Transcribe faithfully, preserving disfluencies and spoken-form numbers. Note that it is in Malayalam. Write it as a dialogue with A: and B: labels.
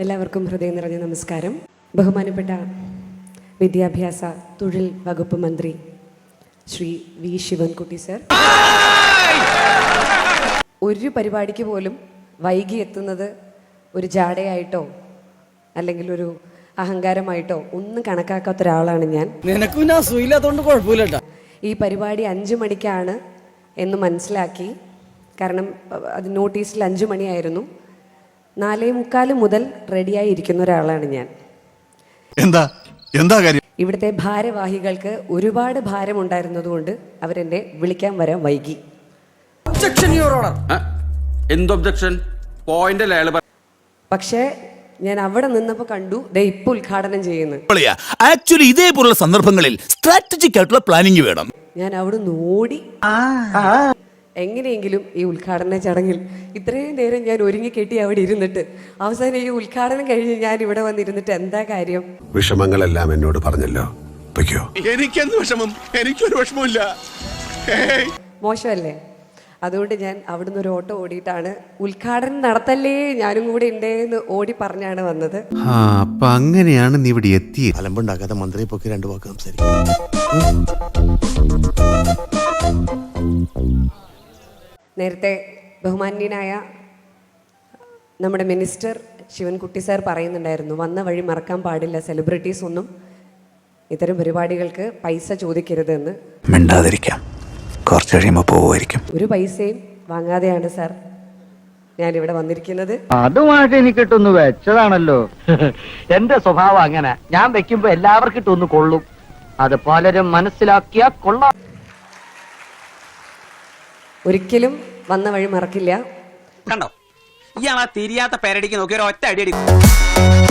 A: എല്ലാവർക്കും ഹൃദയം നിറഞ്ഞ നമസ്കാരം. ബഹുമാനപ്പെട്ട വിദ്യാഭ്യാസ തൊഴിൽ വകുപ്പ് മന്ത്രി ശ്രീ വി ശിവൻകുട്ടി സർ, ഒരു പരിപാടിക്ക് പോലും വൈകി എത്തുന്നത് ഒരു ജാടയായിട്ടോ അല്ലെങ്കിൽ ഒരു അഹങ്കാരമായിട്ടോ ഒന്നും കണക്കാക്കാത്ത ഒരാളാണ് ഞാൻ. ഈ പരിപാടി അഞ്ചു മണിക്കാണ് എന്ന് മനസ്സിലാക്കി, കാരണം അത് നോട്ടീസിൽ അഞ്ചു മണിയായിരുന്നു. നാലേ മുക്കാല് മുതൽ റെഡിയായി ഇരിക്കുന്ന ഒരാളാണ് ഞാൻ.
B: എന്താ എന്താ കാര്യം?
A: ഇവിടുത്തെ ഭാരവാഹികൾക്ക് ഒരുപാട് ഭാരം ഉണ്ടായിരുന്നതുകൊണ്ട് അവരെന്നെ വിളിക്കാൻ വരാൻ വൈകി. പക്ഷേ ഞാൻ അവിടെ നിന്നപ്പോൾ കണ്ടു ദേ ഇപ്പൊ ഉദ്ഘാടനം ചെയ്യുന്നു.
C: ആക്ച്വലി ഇതേപോലുള്ള സന്ദർഭങ്ങളിൽ സ്ട്രാറ്റജിക് ആയിട്ടുള്ള പ്ലാനിംഗ് വേണം.
A: ഞാൻ അവിടെ ഓടി എങ്ങനെയെങ്കിലും ഈ ഉദ്ഘാടന ചടങ്ങിൽ ഇത്രയും നേരം ഞാൻ ഒരുങ്ങി കെട്ടി അവിടെ ഇരുന്നിട്ട് അവസാനം ഈ ഉദ്ഘാടനം കഴിഞ്ഞ് ഞാൻ ഇവിടെ വന്നിരുന്നിട്ട് എന്താ കാര്യം?
D: വിഷമങ്ങളെല്ലാം എന്നോട് പറഞ്ഞല്ലോ.
B: എനിക്കെന്ത് വിഷമം? എനിക്കൊരു വിഷമമില്ല.
A: മോശമല്ലേ? അതുകൊണ്ട് ഞാൻ അവിടുന്ന് ഒരു ഓട്ടോ ഓടിയിട്ടാണ് ഉദ്ഘാടനം നടത്തല്ലേ ഞാനും കൂടെ ഉണ്ടേന്ന് ഓടി പറഞ്ഞാണ് വന്നത്.
D: അപ്പൊ അങ്ങനെയാണ് നീ ഇവിടെ എത്തിയത്. അലമ്പുണ്ടാക്കാതെ മന്ത്രിയെ പൊക്കി രണ്ടു വാക്ക് സംസാരിക്കും.
A: നേരത്തെ ബഹുമാന്യനായ നമ്മുടെ മിനിസ്റ്റർ ശിവൻകുട്ടി സാർ പറയുന്നുണ്ടായിരുന്നു, വന്ന വഴി മറക്കാൻ പാടില്ല, സെലിബ്രിറ്റീസ് ഒന്നും ഇത്തരം പരിപാടികൾക്ക് പൈസ ചോദിക്കരുതെന്ന്.
C: മിണ്ടാതിരിക്കാം, കുറച്ച് കഴിയുമ്പോൾ പോവുമായിരിക്കും.
A: ഒരു പൈസയും വാങ്ങാതെയാണ് സാർ ഞാനിവിടെ വന്നിരിക്കുന്നത്.
E: അതുമായിട്ട് എനിക്കിട്ടൊന്ന് വെച്ചതാണല്ലോ. എന്റെ സ്വഭാവം അങ്ങനെ, ഞാൻ വെക്കുമ്പോ എല്ലാവർക്കും ഇട്ടൊന്ന് കൊള്ളും. അത് പലരും മനസ്സിലാക്കിയാ കൊള്ളാം.
A: ഒരിക്കലും വന്ന വഴി മറക്കില്ല.
F: കണ്ടോ, ഇയാളാ തിരിയാത്ത പേരടിക്ക് നോക്കി ഒരു ഒറ്റ അടി അടിക്കും.